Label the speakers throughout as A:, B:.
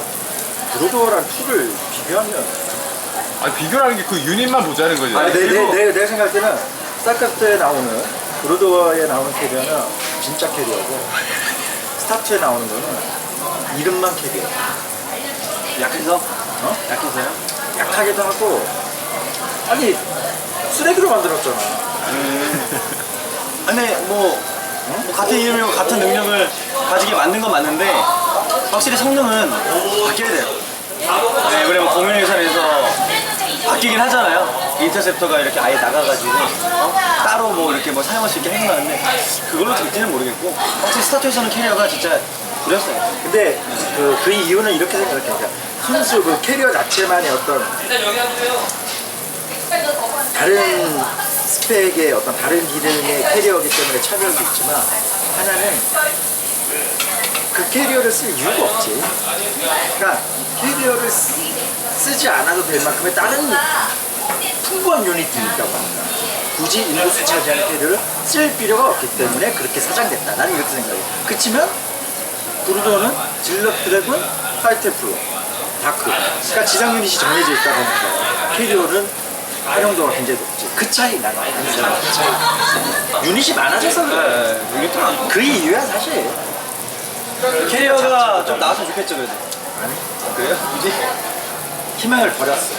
A: 브로드워랑 2를 비교하면
B: 아 비교라는 게 그 유닛만 보자는 거지.
A: 아니 내 생각할 때는 스타크래프트에 나오는 브로드워에 나오는 캐리어는 진짜 캐리어고 스타트에 나오는 거는 이름만 캐리어.
C: 약해서?
A: 어?
C: 약해서요?
A: 약하기도 하고 아니 쓰레기로 만들었잖아.
C: 근데 뭐 같은 이름이고 같은 능력을 가지게 만든 건 맞는데 확실히 성능은 바뀌어야 돼요. 네, 왜냐면 공유회사에서 바뀌긴 하잖아요. 인터셉터가 이렇게 아예 나가가지고 따로 뭐 이렇게 뭐 사용할 수 있게 해놓았는데 그걸로 될지는 모르겠고 확실히 스타트에서는 캐리어가 진짜 구렸어요.
A: 근데 그 이유는 이렇게 생각해. 그러니까 순수 그 캐리어 자체만의 어떤 다른 스펙의 어떤 다른 기능의 캐리어이기 때문에 차별도 있지만 하나는 그 캐리어를 쓸 이유가 없지. 그러니까 캐리어를 쓰지 않아도 될 만큼의 다른 풍부한 유닛이 있다고 합니다. 굳이 인구수 차지하는 캐리어를 쓸 필요가 없기 때문에 그렇게 사장됐다. 나는 이렇게 생각해. 그치만 브루더는 질럿 드래곤, 파이테플로, 다크. 그러니까 지상 유닛이 정해져 있다 보니까 캐리어는 활용도가 굉장히 높지. 그 차이 나는 그 차이. 유닛이 많아져서 그래.
C: 네, 유닛도 많고
A: 그 이유야 사실.
C: 캐리어가 좀 나왔으면 좋겠죠 그래도.
A: 아니
C: 그래요?
A: 희망을 버렸어.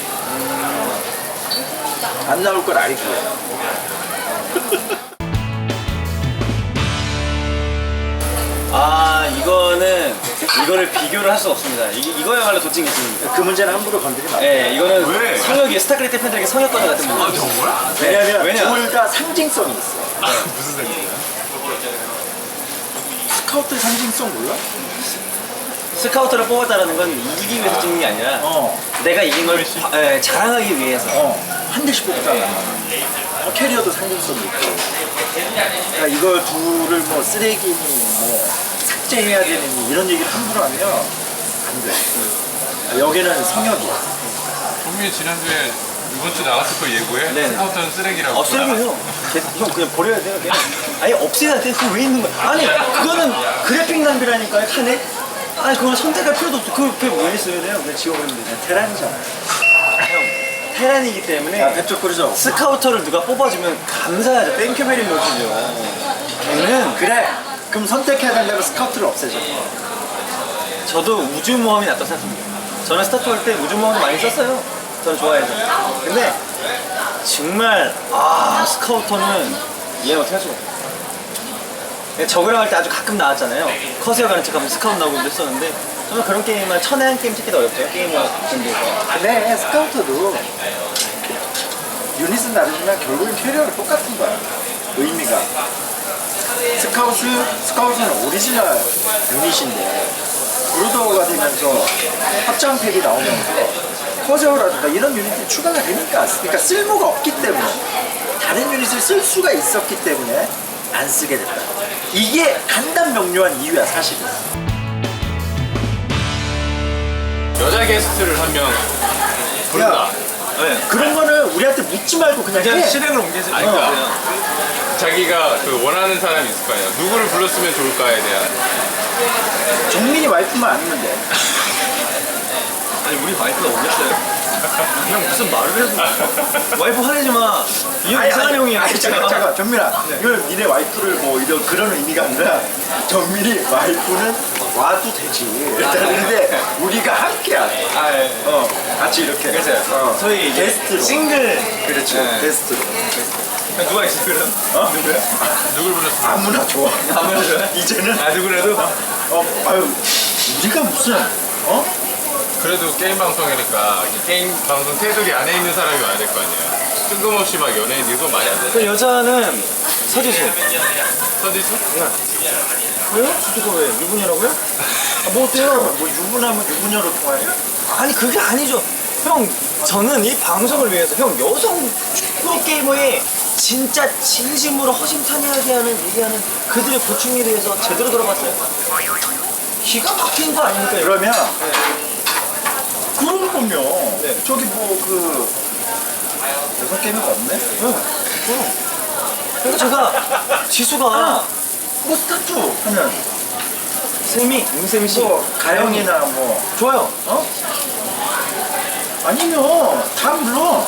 A: 안 나올 걸 알고.
C: 아 이거를 비교를 할 수 없습니다. 이거야말로 도찐 기술입니다.
A: 그 문제는 함부로 건드리면 안 돼.
C: 네, 이거는
B: 왜?
C: 성역이 스타크래프트 팬들에게 성역과자 같은 문제.
B: 아 정말?
A: 왜냐면
C: 왜냐?
A: 둘 다 상징성이 있어.
B: 아 무슨 생각이야?
A: 스카우트 상징성 몰라?
C: 스카우터를 뽑았다는 건 이기기 위해서 찍는 게 아니라 내가 이긴 걸 자랑하기 위해서.
A: 한 대씩 뽑잖아. 캐리어도 상징성이 있고. 그러니까 이걸 둘을 뭐 쓰레기니 뭐 삭제해야 되느니 이런 얘기를 함부로 하면 안 돼. 여기는 성역이야.
B: 동민이 지난주에 이번 주 나갔을 거 예고해?
C: 네네.
B: 스카우터는 쓰레기라고.
C: 쓰레기요. 형 그냥 버려야 돼요. 그냥. 아예 없애야 돼. 그거 왜 있는 거야? 아니 그거는 그래픽 낭비라니까요. 칸에. 아니 그건 선택할 필요도 없어. 그게 왜 써야 돼요? 그냥 지워버리면 되죠.
A: 테란이잖아.
C: 형 테란이기 때문에
A: 야, 배쪽 뿌리죠.
C: 스카우터를 누가 뽑아주면 감사하죠. 땡큐 베리 머치죠. 걔는
A: 그래. 그럼 선택해야 된다면 스카우트를 없애줘.
C: 저도 우주모험이 낫다고 생각합니다. 저는 스타트 할 때 우주모험 많이 썼어요. 저는 좋아해서. 근데 정말 스카우터는 이해 못할 수가 없어요. 저그랑 할 때 아주 가끔 나왔잖아요. 커세어 가는 척하면 스카우트 나오고 했었는데 저는 그런 게임은 천에 한 게임 찾기도 어렵죠. 게임을 준비해서.
A: 근데 스카우터도 유닛은 다르지만 결국엔 캐리어는 똑같은 거야. 의미가. 스카우트는 오리지널 유닛인데 브루더가 되면서 확장팩이 나오면서 커세어라든가 이런 유닛이 추가가 되니까 그러니까 쓸모가 없기 때문에 다른 유닛을 쓸 수가 있었기 때문에 안 쓰게 됐다. 이게 간단명료한 이유야 사실은.
B: 여자 게스트를 한 명 부른다.
C: 네.
A: 그런 거는 우리한테 묻지 말고 그냥 해.
C: 실행을 옮기지
B: 아니,
C: 말고
B: 그러니까 자기가 그 원하는 사람이 있을 거 아니야. 누구를 불렀으면 좋을까에 대한.
A: 정민이 와이프만 아니면 돼.
C: 아니 우리 와이프가 오겠어요? 형 무슨 말을 해도 와이프 화내지 마. 이 형 이상한 형이야.
A: 아니, 잠깐 정민아. 이걸 니네 와이프를 뭐 그런 의미가 아니라 정민이 와이프는 와도 되지. 근데 우리가 함께야. 같이 이렇게.
C: 그래서 소위 이제
A: 게스트로.
C: 싱글.
A: 그렇지.
C: 네.
A: 게스트로.
C: 누가 있어 그럼?
A: 누구야?
B: 누굴 불렀으면.
A: 아무나 좋아.
C: 아무나 좋아?
A: 이제는
C: 누구라도?
A: 아유 우리가 무슨
B: 그래도 게임 방송이니까 이 게임 방송 테두리 안에 있는 사람이 와야 될 거 아니야. 뜬금없이 막 연예인 이거 많이 안 돼.
C: 그 여자는 서지수.
B: 서지수?
C: 왜요? 서지수 왜? 유부녀라고요? 뭐 어때요?
A: 뭐 유부남은 유부녀로 통하냐?
C: 아니 그게 아니죠. 형 저는 이 방송을 위해서 형 여성 프로게이머의 진짜 진심으로 허심탄회하게 얘기하는 그들의 고충에 대해서 제대로 들어봤어요. 기가 막힌 거 아닙니까? 이거?
A: 그러면 그런 거면
C: 네.
A: 저기 뭐 여섯 개는 없네?
C: 그래서 제가 지수가
A: 뭐 스타트 하면
C: 세미, 윤세미 씨.
A: 뭐 가영이나 뭐
C: 좋아요.
A: 어? 아니면 다 불러.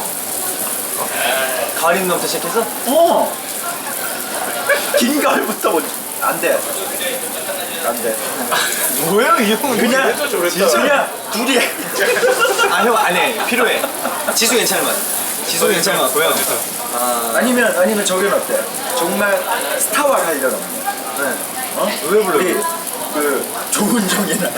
C: 가을 입는 부터 시작해서
A: 어. 긴 가을부터 뭐 안 돼. 안 돼.
C: 뭐야 이 형은
A: 그냥
B: 진짜.
A: 그냥 둘이
C: 아 형 안해 필요해. 지수 괜찮을 만. 지수 괜찮을 것 같고요.
A: 아니면 저기는 어때? 정말 스타와 관련 없는.
C: 네.
A: 어?
C: 왜 불러요?
A: 우리 그 조은정이나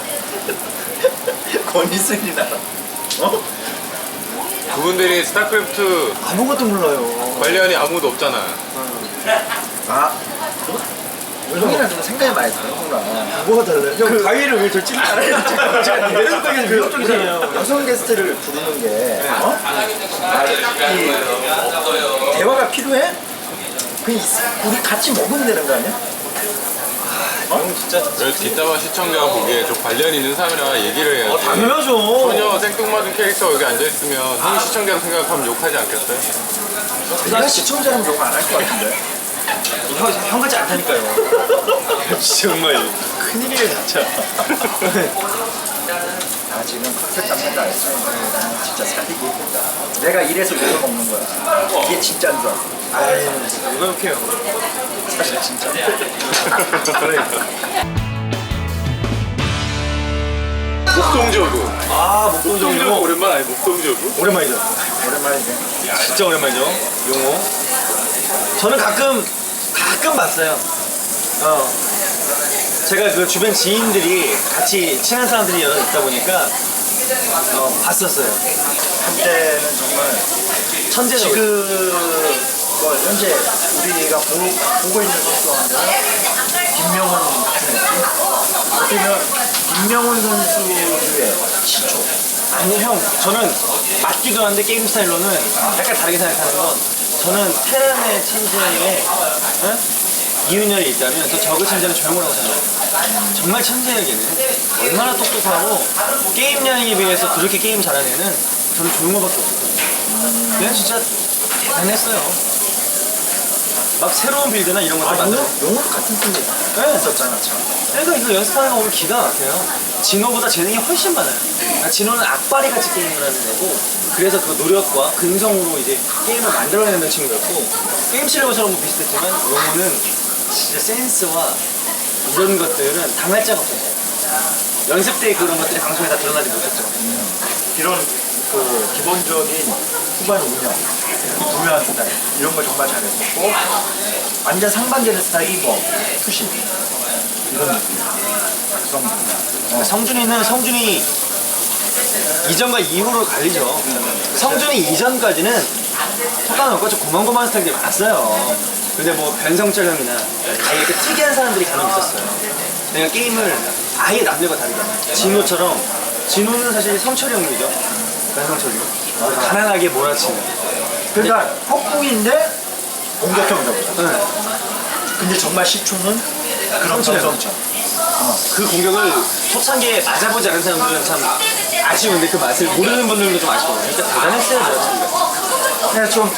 A: 권희승이나 어?
B: 그분들이 스타크래프트
C: 아무것도 몰라요.
B: 관련이 아무도 없잖아.
A: 아 형이랑 좀 생각이 많이 다르구나.
C: 뭐가 달라요? 형 가위를 왜 절치를 안 해요?
A: 제가
C: 매력적인 매력적이잖아요.
A: 여성 게스트를 부르는 게 어? 이 대화가 필요해? 우리 같이 먹으면 되는 거 아니야?
C: 형 진짜
B: 그래서 뒷담화 시청자가 보기에 좀 관련 있는 사람이랑 얘기를 해야지.
C: 당연하죠.
B: 전혀 생뚱맞은 캐릭터가 여기 앉아있으면 형이 시청자로 생각하면 욕하지 않겠어요?
A: 내가 시청자는 욕 안 할 것 같은데.
C: 형 같지 않다니까요. 정말 큰일이에요 진짜.
A: 아 지금 컨셉 잡는 거 알지? 진짜 살리기 힘들다. 내가 이래서 욕을 먹는 거야. 이게 진짜인 줄 알아.
C: 아유 누가 욕해요.
A: 사실 진짜.
B: 목동저구.
C: 아
B: 목동저구
C: 목동적이고
B: 오랜만 아니 목동저구?
C: 오랜만이죠.
A: 오랜만이네.
C: 진짜 오랜만이죠. 용호. 저는 가끔 봤어요. 제가 그 주변 지인들이 같이 친한 사람들이 여러 있다 보니까 봤었어요.
A: 한때는 정말
C: 천재죠.
A: 지금 뭐 현재 우리가 보고 있는 선수 하면 김명훈 같은 느낌? 어쩌면 김명훈 선수의 시초.
C: 아니 형 저는 맞기도 한데 게임 스타일로는 약간 다르게 생각하는 건 저는 테란의 천재에 이윤열이 있다면 또 저그 천재는 조용호라고 생각해요. 정말 천재예요 걔는. 얼마나 똑똑하고 게임량에 비해서 그렇게 게임 잘하는 애는 저는 조용호밖에 없어요. 걔는 진짜 대단했어요. 막 새로운 빌드나 이런 것들 만들어.
A: 용호도 같은 팀이 있었잖아 참.
C: 그러니까 이거 연습하는 거 보면 기가 막혀요. 진호보다 재능이 훨씬 많아요. 그러니까 진호는 악바리 같이 게임을 하는 애고, 그래서 그 노력과 근성으로 이제 게임을 만들어내는 친구였고, 게임 실력처럼 뭐 비슷했지만 용호는 진짜 센스와 이런 것들은 당할 자가 없었어요. 연습 때 그런 것들이 방송에 다 드러나지 못했죠.
A: 이런 그 기본적인 후반 운영, 부유한 스타일 이런 거 정말 잘했었고 완전 상반되는 스타일이 뭐 투심 이런 느낌. 박성준.
C: 성준이는 성준이 이전과 이후로 갈리죠. 성준이 이전까지는 속안 없고 좀 고만고만한 스타일들이 많았어요. 근데 뭐 변성철형이나 아예 그 특이한 사람들이 간혹 있었어요. 내가 게임을 아예 남들과 다르게 진호처럼, 진호는 사실 성철형이죠. 변성철이 가난하게 몰아치는.
A: 그러니까 폭풍인데 공격형이다.
C: 네.
A: 근데 정말 시초는 그런
C: 성철형.
A: 정성철.
C: 그 공격을 초창기에 맞아보지 않은 사람들은 참 아쉬운데 그 맛을 모르는 분들도 좀 아쉬워요. 그러니까 대단했어요, 저 친구가.
A: 그냥 좀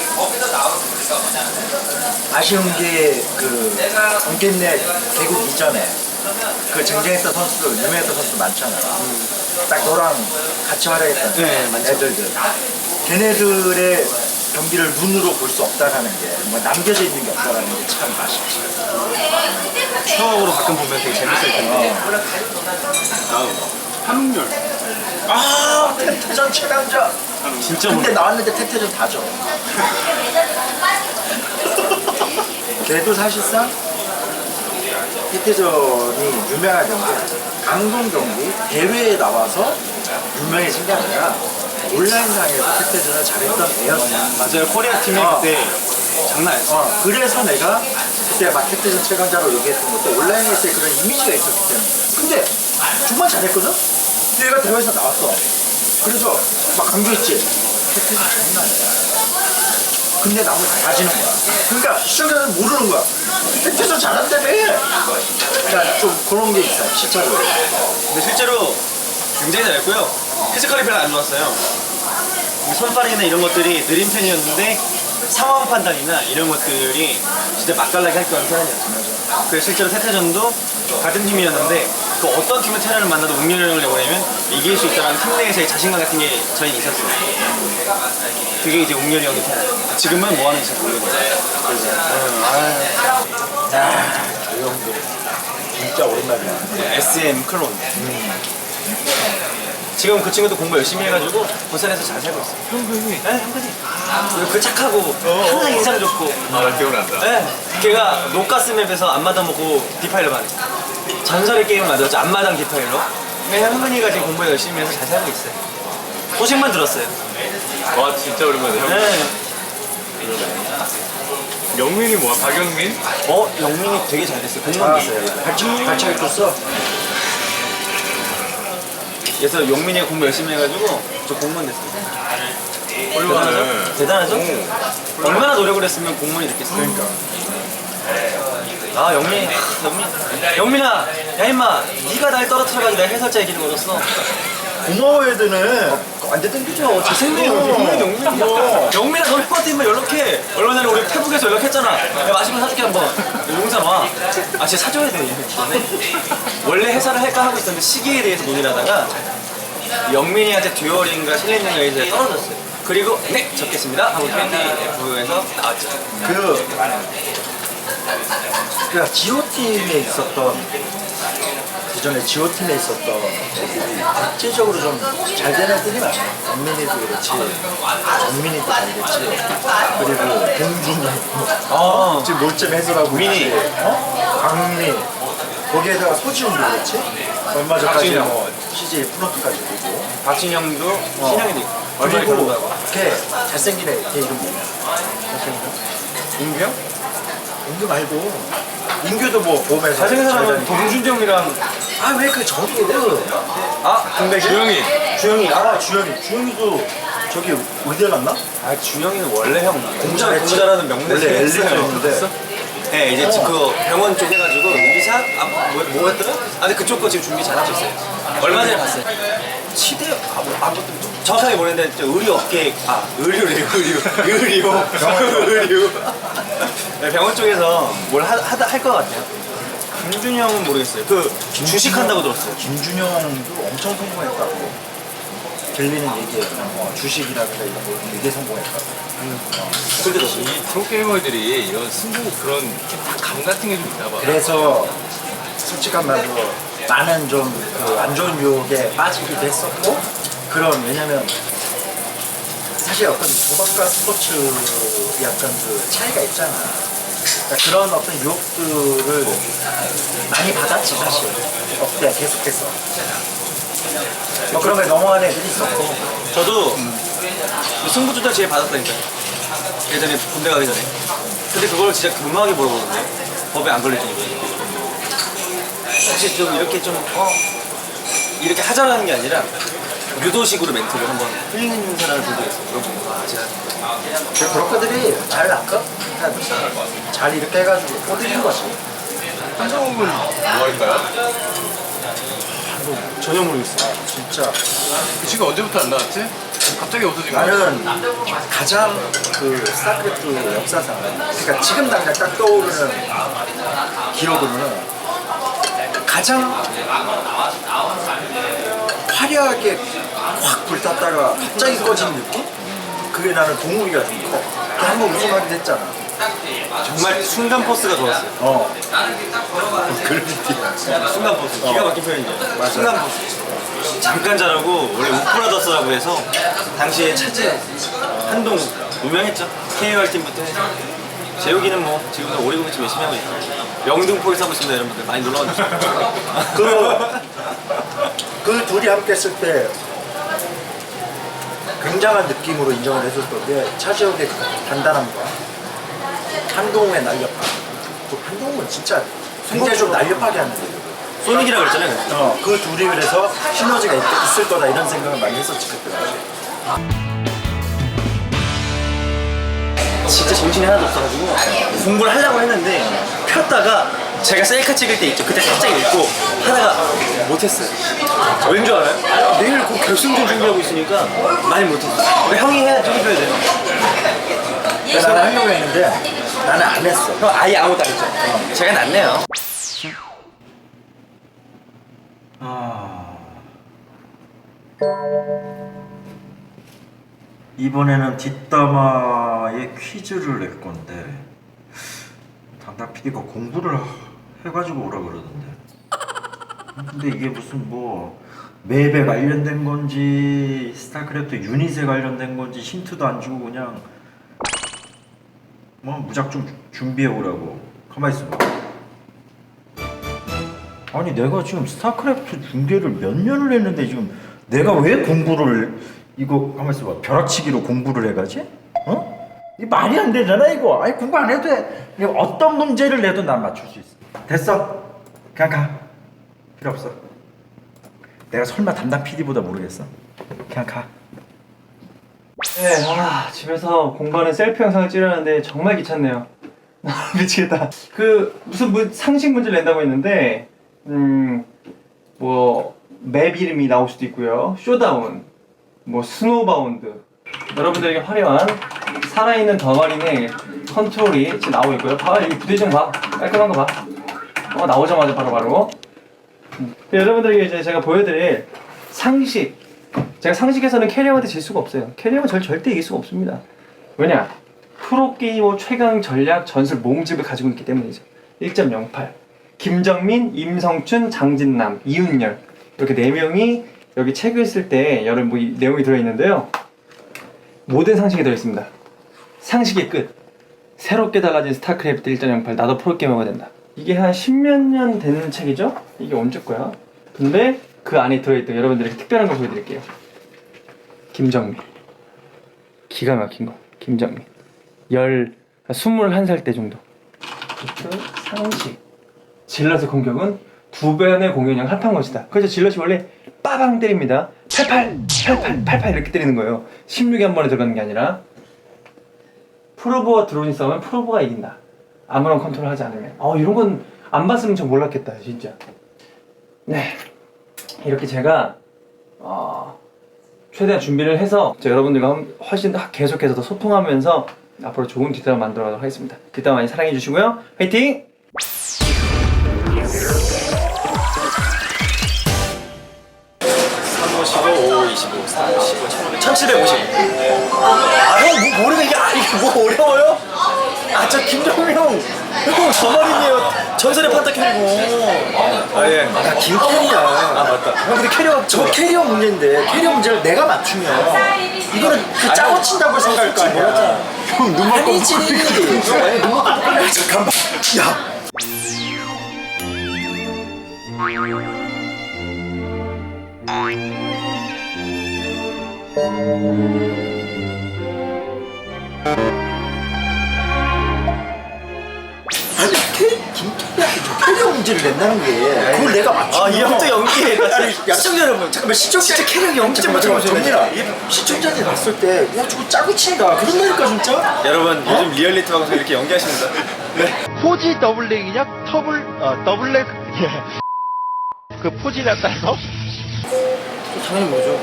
A: 아쉬운 게 그 공개내 개국 이전에 그 쟁쟁했던 선수들, 유명했던 선수들 많잖아. 딱 너랑 같이 활약했던
C: 네, 많죠.
A: 애들들. 걔네들의 경기를 눈으로 볼 수 없다라는 게, 뭔가 남겨져 있는 게 없다라는 게 참 아쉽지.
C: 추억으로 가끔 보면 되게 재밌을 텐데.
B: 한웅열.
A: 아, 태태전 최강자.
C: 진짜
A: 근데
C: 모르
A: 나왔는데 태태전 다죠. 걔도 사실상 태태전이 유명한 경기, 강동 경기 대회에 나와서 유명해진 게 아니라 온라인상에서 태태전을 잘했던 애였어.
C: 맞아요. 코리아 팀이 그때 장난 아니었어.
A: 그래서 내가 그때 막 태태전 최강자로 얘기했던 것도 온라인에서의 그런 이미지가 있었기 때문에. 근데 정말 잘했거든? 근데 얘가 대회에서 나왔어. 그래서 막 강조했지. 태태전 장난 아니야. 근데 나머지 다 지는 거야. 그러니까 시청자는 모르는 거야. 태태전 잘한다며. 그러니까 좀 그런 게 있어, 시차적으로.
C: 근데 실제로 굉장히 잘했고요. 피지컬이 별로 안 좋았어요. 손빠르기나 이런 것들이 느린 편이었는데 상황 판단이나 이런 것들이 진짜 맛깔나게 할 줄 아는 사람이었어요. 그 실제로 세태전도 같은 팀이었는데 그 어떤 팀의 테란을 만나도 웅렬이 형을 내보내면 이길 수 있다는 팀 내에서의 자신감 같은 게 저희는 있었어요. 그게 이제 웅렬이 형의 테란. 지금은 뭐 하는지 모르겠어요.
A: 이 형도 진짜 오랜만이야.
C: SM 클론. 지금 그 친구도 공부 열심히 해가지고 부산에서 잘 살고 있어요.
B: 형근이.
C: 네, 형근이. 그 착하고 항상 인상 좋고.
B: 아, 나 기억난다.
C: 네, 걔가 녹가스 맵에서 앞마당 먹고 디파일러 반. 전설의 게임을 만들었죠. 앞마당 디파일러. 근데 형근이가 지금 공부 열심히 해서 잘 살고 있어요. 소식만 들었어요.
B: 와, 진짜 오랜만이야. 형.
C: 네.
B: 영민이 뭐야? 박영민?
C: 영민이 되게 잘 됐어요. 공무원 됐어요.
A: 발차기 떴어.
C: 그래서 영민이가 공부 열심히 해가지고 저 공무원 됐어요.
B: 훌륭하네.
C: 대단하죠?
B: 오.
C: 얼마나 노력을 했으면 공무원이 됐겠어요.
A: 그러니까.
C: 아 영민아 야 임마 네가 날 떨어뜨려가지고 내가 해설자의 길을 얻었어.
A: 고마워 애들은 완전 땡기죠. 제 생명이
C: 영민이야. 영민아 너 형한테 임마 연락해. 얼마 전에 우리 페북에서 연락했잖아. 야 맛있는 거 사줄게 한번. 용산 와. 아 진짜 사줘야 돼. 원래 회사를 할까 하고 있었는데 시기에 대해서 논의를 하다가 영민이한테 듀얼인가 실린인가 해서 떨어졌어요. 그리고 네 적겠습니다 하고 캔디 F에서 나왔죠.
A: 그 지오팀에 있었던 기존에 지오팀에 있었던 애들이 대체적으로 좀 잘 되는 애들이 많아요. 영민이도 그렇지, 정민이도 잘 됐지, 그리고 공준이 지금 몰점 해설하고
C: 민이.
A: 있지. 강미 거기에다가 소지훈도 그렇지. 얼마 전까지
B: 박진영.
A: 뭐 CJ 프론트까지 되고.
C: 박진영도 신영이도 있고 얼마나
A: 그리고
C: 결혼하고
A: 걔 잘생긴 애 이름 뭐냐?
C: 인규 형?
A: 인규 말고 인규도 뭐 봄에서
C: 잘생긴 사람은
A: 잘 다니고.
C: 동준정이랑
A: 왜 그 저기
C: 동백이?
B: 주영이.
A: 주영이도 저기 의대 갔나?
C: 주영이는 원래 형 공부
A: 잘했지.
C: 잘하는 명대
A: 원래 엘리트였는데
C: 네 이제 그 병원 쪽 해가지고 의사 뭐였더라? 근데 그쪽 거 지금 준비 잘하고 있어요. 얼마 전에 봤어요. 치대 정확하게 모르겠는데 저 의료 업계 의료래요 의료 네, 병원 쪽에서 뭘 할 것 같아요. 김준이 형은 모르겠어요. 그 주식한다고 들었어요.
A: 김준영도 엄청 성공했다고 들리는 얘기예요. 주식이라든가 이런 거 되게 성공했다고.
C: 그렇게 들었어요.
B: 이 프로게이머들이 이런 승부 그런 감 같은 게 좀 있나 봐.
A: 그래서 솔직한 말로 많은 좀 그 안 좋은 유혹에 빠지기도 했었고 왜냐면 사실 어떤 도박과 스포츠 약간 그 차이가 있잖아. 그러니까 그런 어떤 유혹들을 많이 받았지 사실. 업대 계속해서. 뭐 그런 거에 넘어가는 애들이 있었고.
C: 저도 승부 조작 제일 받았다니까요. 예전에 군대 가기 전에. 근데 그걸 진짜 교묘하게 물어보는데 법에 안 걸릴 정도예요. 혹시 좀 이렇게 이렇게 하자라는 게 아니라 유도식으로 멘트를 한번 흘리는 사람을 본 적이 있어요. 물어보고 제가
A: 그 브로커들이 잘 낚아? 잘 이렇게 해가지고 꼬드리는 거지.
B: 한정욱은 뭐 할까요?
C: 전혀 모르겠어요.
A: 진짜.
B: 그 친구 언제부터 안 나왔지? 갑자기 없어진 거야?
A: 나는 가장 그 스타크래프트 역사상, 그러니까 지금 당장 딱 떠오르는 기억으로는 가장 화려하게 확 불탔다가 갑자기 꺼진 느낌? 그게 나는 동욱이가 좀 커. 걔 한번 우승하기도 했잖아.
C: 정말 순간 포스가 좋았어요.
A: 그런 느낌.
C: 순간 포스. 기가 막힌 표현이죠.
A: 맞아.
C: 순간 포스. 잠깐 잘하고 원래 우프라더스라고 해서 당시에 차지 한동 유명했죠. KOR 팀부터 해서 재욱이는 뭐 지금도 오리고기집 열심히 하고 있고 영등포에서 하고 있습니다. 여러분들 많이 놀러와 주세요.
A: 그 둘이 함께 했을 때 굉장한 느낌으로 인정을 해줬던 게 차지혁의 단단함과 한동훈의 날렵함. 한동훈은 진짜 굉장히 좀 날렵하게 하는 거예요.
C: 소닉이라고 그랬잖아요.
A: 그 둘이 그래서 시너지가 있을 거다 이런 생각을 많이 했었지 그때 당시에.
C: 진짜 정신이 하나도 없어가지고 공부를 하려고 했는데 폈다가 제가 셀카 찍을 때 있죠. 그때 살짝 읽고 하다가 못했어요. 왠 줄 알아요? 내일 그 결승전 준비하고 있으니까 많이 못했어요. 형이 해야 좀 해줘야 돼요.
A: 나는 하려고 했는데 나는 안 했어.
C: 형 아예 아무것도 안 했죠? 제가 낫네요.
A: 이번에는 뒷담화에 퀴즈를 낼 건데 담당 PD가 공부를 해가지고 오라 그러던데. 근데 이게 무슨 뭐 맵에 관련된 건지 스타크래프트 유닛에 관련된 건지 힌트도 안 주고 그냥 뭐 무작정 준비해 오라고. 가만히 있어봐. 아니 내가 지금 스타크래프트 중계를 몇 년을 했는데 지금 내가 왜 공부를 이거 가만히 있어봐. 벼락치기로 공부를 해가지? 어? 이 말이 안 되잖아 이거. 아니 공부 안 해도 돼. 이거 어떤 문제를 내도 난 맞출 수 있어. 됐어. 그냥 가. 필요 없어. 내가 설마 담당 PD보다 모르겠어? 그냥 가.
C: 네, 집에서 공부하는 셀프 영상을 찍으려는데 정말 귀찮네요. 미치겠다. 무슨 상식 문제를 낸다고 했는데, 뭐 맵 이름이 나올 수도 있고요. 쇼다운, 뭐 스노우바운드. 여러분들에게 화려한 살아있는 덩어리의 컨트롤이 지금 나오고 있고요. 봐봐, 여기 부대 좀 봐. 깔끔한 거 봐. 나오자마자 바로. 여러분들에게 이제 제가 보여드릴 상식. 제가 상식에서는 캐리어한테 질 수가 없어요. 캐리어는 절대 이길 수가 없습니다. 왜냐? 프로게이머 최강 전략 전술 모음집을 가지고 있기 때문이죠. 1.08 김정민, 임성춘, 장진남, 이윤열 이렇게 4명이 여기 책을 쓸 때 여러 뭐 내용이 들어있는데요. 모든 상식이 들어있습니다. 상식의 끝. 새롭게 달라진 스타크래프트 1.08 나도 프로게이머가 된다. 이게 한 10몇 년 된 책이죠? 이게 언제 거야? 근데 그 안에 들어있던 여러분들에게 특별한 걸 보여드릴게요. 김정민. 기가 막힌 거. 김정민. 21살 때 정도. 상식. 질럿의 공격은 2배의 공격량 합한 것이다. 그래서 질럿이 원래 빠방 때립니다. 88 이렇게 때리는 거예요. 16에 한 번에 들어가는 게 아니라. 프로브와 드론이 싸우면 프로브가 이긴다. 아무런 컨트롤 하지 않으면. 이런 건 안 봤으면 전 몰랐겠다 진짜. 네, 이렇게 제가 최대한 준비를 해서 여러분들과 훨씬 계속해서 더 소통하면서 앞으로 좋은 뒷담화 만들어 가도록 하겠습니다. 뒷담화 많이 사랑해 주시고요. 화이팅! 1750. 형 모르는 게 뭐 어려워요? 저 김정민 형 저 말이네요. 전설의 판타 캐리고. 예. 나 김캐리야. 맞다. 형 근데 캐리어 저 캐리어 문제인데 캐리어 문제를 내가 맞추면 이거는 그 짜고 친다고 생각할 거 아니야. 형 눈만 아니지. 잠깐만. 야. 아니 김태희한테 캐리어 문제를 낸다는 게 그걸 내가 맞추면 이 형도 연기해. 시청자 여러분 잠깐만 시청자 진짜 캐리어 연기 좀 맞춰보세요. 정민아 시청자들이 봤을 때 야 저거 짜고 친다 그런다니까 진짜. 여러분 요즘 리얼리티 방송 이렇게 연기하십니다. 네.
D: 포지 더블랙이냐? 더블랙 그 포지에 따라서
C: 당연히 뭐죠?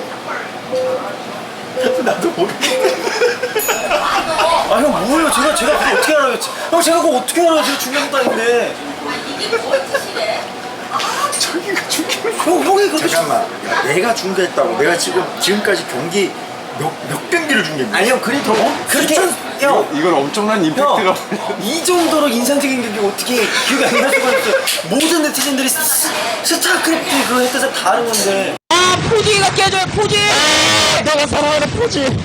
A: 나도 모르겠네.
C: 형 뭐예요? 제가 그거 어떻게 알아요? 형 제가 그거 어떻게 알아요? 제가 중요한 것도 아닌데.
A: 저기가 중계.
C: 형이 그렇게
A: 잠깐만. 야, 내가 중계했다고. 내가 지금까지 경기 몇 경기를 중계했냐?
C: 아니 형 그래도 그렇게 형
B: 이건 엄청난 임팩트가.
C: 이 정도로 인상적인 경기 어떻게 기억이 안 날 수가 있어요? 모든 네티즌들이 스타크래프트 그거 했던 다 아는 건데.
D: 포지가 깨져요 포지. 내가 사랑하는 포지.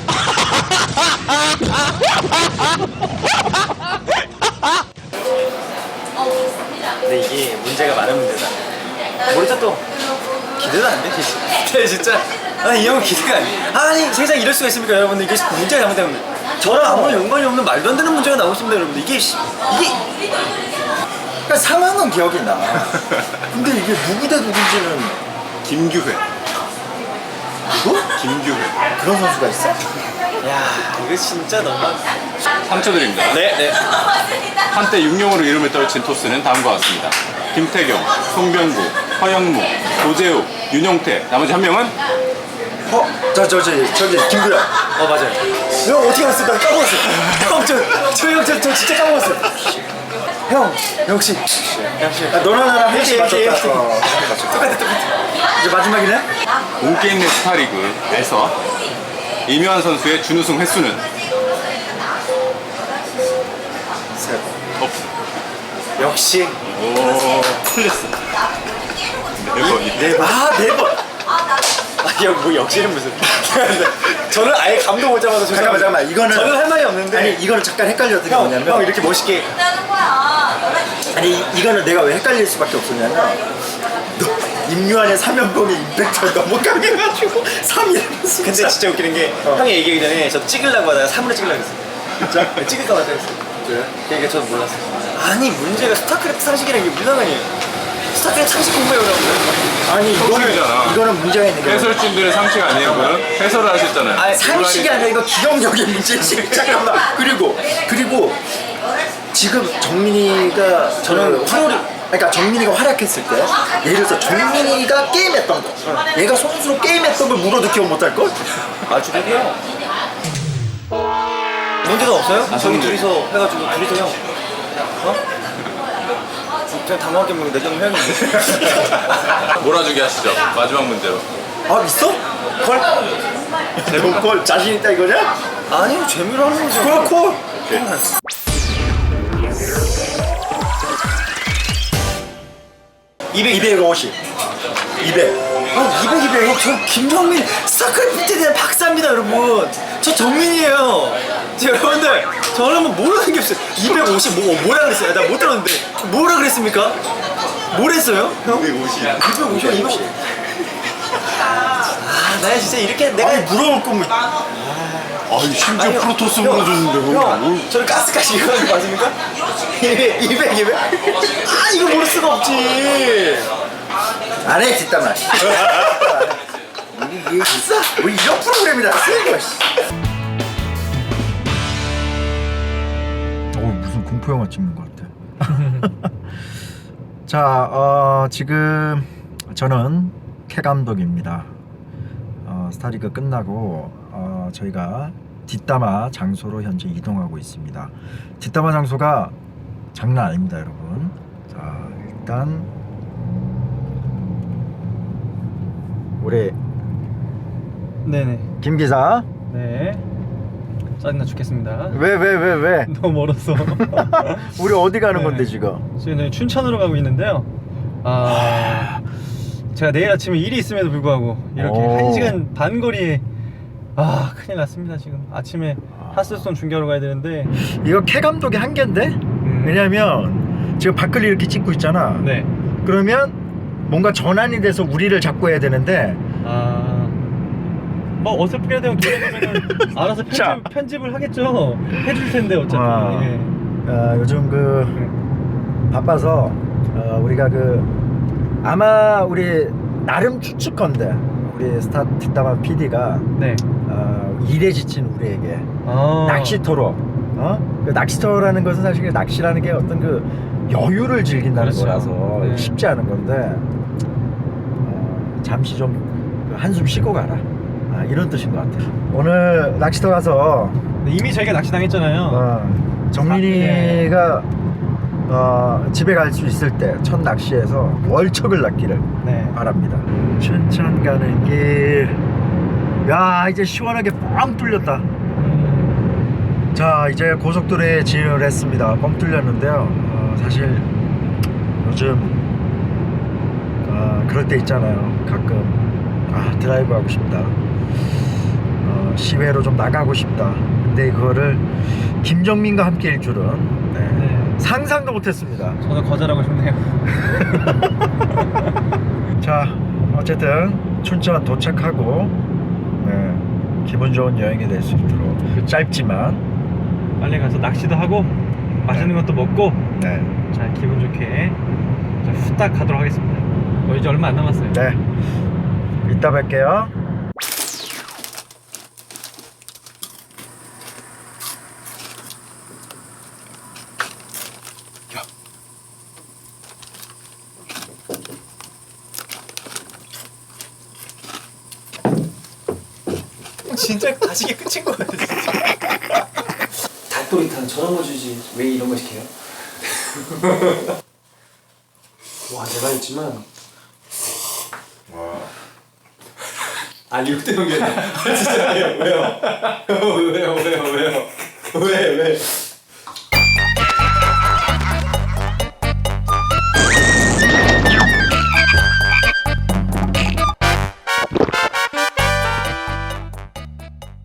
C: 근데 이게 문제가 많은 문제다. 모르죠 또 기대도 안 돼. 네, 진짜. 이 형은 기대가 안 돼. 아니 세상 이럴 수가 있습니까 여러분들. 이게 문제가 잘못되면 저랑 아무런 연관이 없는 말도 안 되는 문제가 나오고 있습니다 여러분들. 이게
A: 그러니까 상황은 기억이 나. 근데 이게 누구 대 누군지는
B: 김규회.
A: 누구?
B: 김규회.
A: 그런 선수가 있어?
C: 야 이거 진짜 너무
B: 3초 드립니다.
C: 네.
B: 한때 육룡으로 이름을 떨친 토스는 다음과 같습니다. 김태경, 송병구, 허영무, 도재욱, 윤용태. 나머지 한 명은
A: 저기 김구야.
C: 맞아요. 형 어떻게 알았어? 나 까먹었어. 저 진짜 까먹었어. 형 역시.
A: 너랑 나랑
C: 역시,
A: 맞췄다.
C: 역시. 똑같아.
A: 이제 마지막이네?
B: 온게임넷 스타리그에서 이묘한 선수의 준우승 횟수는
A: 셋.
C: 역시.
B: 오 틀렸어. 4번이.
C: 네 번. 뭐 역시는 무슨. 저는 아예 감동 못 잡아서
A: 잠깐만, 이거는.
C: 저는 할 말이 없는데.
A: 아니, 이거는 잠깐 헷갈렸던 게
C: 형
A: 뭐냐면.
C: 이렇게 멋있게.
A: 아니, 이거는 내가 왜 헷갈릴 수밖에 없었냐면. 임요한의 3연봉의 임팩트가 너무 강해가지고 3이라면서.
C: 근데 진짜 웃기는 게 형이 얘기하기 전에 저 찍으려고 하다가 3으로 찍으려고 했어요. 진짜? 찍을까 말까 했어요.
A: 그래?
C: 그러니까 저는 몰랐어요. 아니 문제가 스타크래프트 상식이라는 게 불가능해요. 스타크래프트 상식 공부해오라고.
A: 아니,
B: 성식이잖아.
A: 이거는 문제가 있는 게.
B: 해설진들의 상식 아니에요? 그럼 해설을 하셨잖아요.
C: 아니,
A: 상식이 아니라 이거 기억력의 문제지. 잠깐만. 그리고 지금 정민이가
C: 저는
A: 그러니까 정민이가 활약했을 때 예를 들어서 정민이가 게임했던 거 얘가 선수로 게임했던 걸 물어도 기억 못할 걸?
C: 아주 되게요. 문제가 없어요? 저희 둘이서 해가지고 둘이서 형. 어? 그냥 당황하게 뭐 내정 형인데.
B: 몰아주기 하시죠. 마지막 문제로.
A: 아 있어? 걸? 걸 자신 있다 이거냐?
C: 아니 재미로 하는 거죠.
A: 걸 콜? 250 200
C: 200. 저 김정민 스타크래프트에 대한 박사입니다 여러분. 저 정민이에요. 여러분들 저는 뭐 모르는 게 없어요. 250 뭐라 그랬어요? 나 못 들었는데 뭐라 그랬습니까? 뭘 했어요? 형? 250. 나 진짜 이렇게 내가
A: 아니 물어볼 거면
B: 아니 심지어
C: 아니요.
B: 프로토스
C: 형,
B: 물어줬는데
C: 형, 저는 가스까지 이거 하는 거 맞습니까? 200. 아 이거 모를 수가 없지.
A: 안해 뒷담화 이게 있어? 뭐 이런 프로그램이라 쓰는 거야 무슨 공포영화 찍는 것 같아 자 지금 저는 캐 감독입니다. 스타리그 끝나고 저희가 뒷담화 장소로 현재 이동하고 있습니다. 뒷담화 장소가 장난 아닙니다 여러분. 자 일단 우리
E: 네네.
A: 김 기자
E: 네. 짜증나 죽겠습니다.
A: 왜?
E: 너무 멀어서.
A: 우리 어디 가는
E: 네.
A: 건데 지금?
E: 지금 저희 춘천으로 가고 있는데요. 제가 내일 아침에 일이 있음에도 불구하고 이렇게
A: 오.
E: 1시간 반 거리에 큰일 났습니다. 지금 아침에 하스스톤 중계하러 가야 되는데.
A: 이거 캐 감독의 한계인데? 왜냐면 지금 밖을 이렇게 찍고 있잖아.
E: 네.
A: 그러면 뭔가 전환이 돼서 우리를 잡고 해야 되는데
E: 뭐 어설프게라도 그러면은 알아서
A: 자.
E: 편집을 하겠죠. 해줄 텐데 어차피.
A: 와.
E: 예.
A: 요즘 바빠서 우리가 아마 우리 나름 추측건데 우리 스타 뒷담화 PD가
E: 네.
A: 일에 지친 우리에게
E: 아.
A: 낚시터로 그 낚시터라는 것은 사실 낚시라는 게 어떤 여유를 즐긴다는
E: 그렇죠.
A: 거라서
E: 네.
A: 쉽지 않은 건데 잠시 좀 한숨 쉬고 가라 이런 뜻인 것 같아요. 오늘 낚시터 가서
E: 네, 이미 저희가 낚시 당했잖아요.
A: 정민이가 집에 갈 수 있을 때 첫 낚시에서 월척을 낚기를
E: 네.
A: 바랍니다. 춘천 가는 길, 야 이제 시원하게 뻥 뚫렸다. 자 이제 고속도로에 진입을 했습니다. 뻥 뚫렸는데요. 사실 요즘 그럴 때 있잖아요. 가끔 드라이브 하고 싶다. 시외로 좀 나가고 싶다. 근데 그거를 김정민과 함께일 줄은
E: 네.
A: 상상도 못했습니다.
E: 저는 거절하고 싶네요.
A: 자 어쨌든 춘천 도착하고 기분 좋은 여행이 될 수 있도록 짧지만
E: 빨리 가서 낚시도 하고 맛있는 것도 먹고
A: 네.
E: 자 기분 좋게 자, 후딱 가도록 하겠습니다. 이제 얼마 안 남았어요.
A: 네 이따 뵐게요.
E: 진짜 가식이 끝인 것 같아.
C: 닭도리탕 저런 거 주지 왜 이런 거 시켜요? 와 내가 했지만 리액트 연결 진짜 왜요? 왜요? 왜?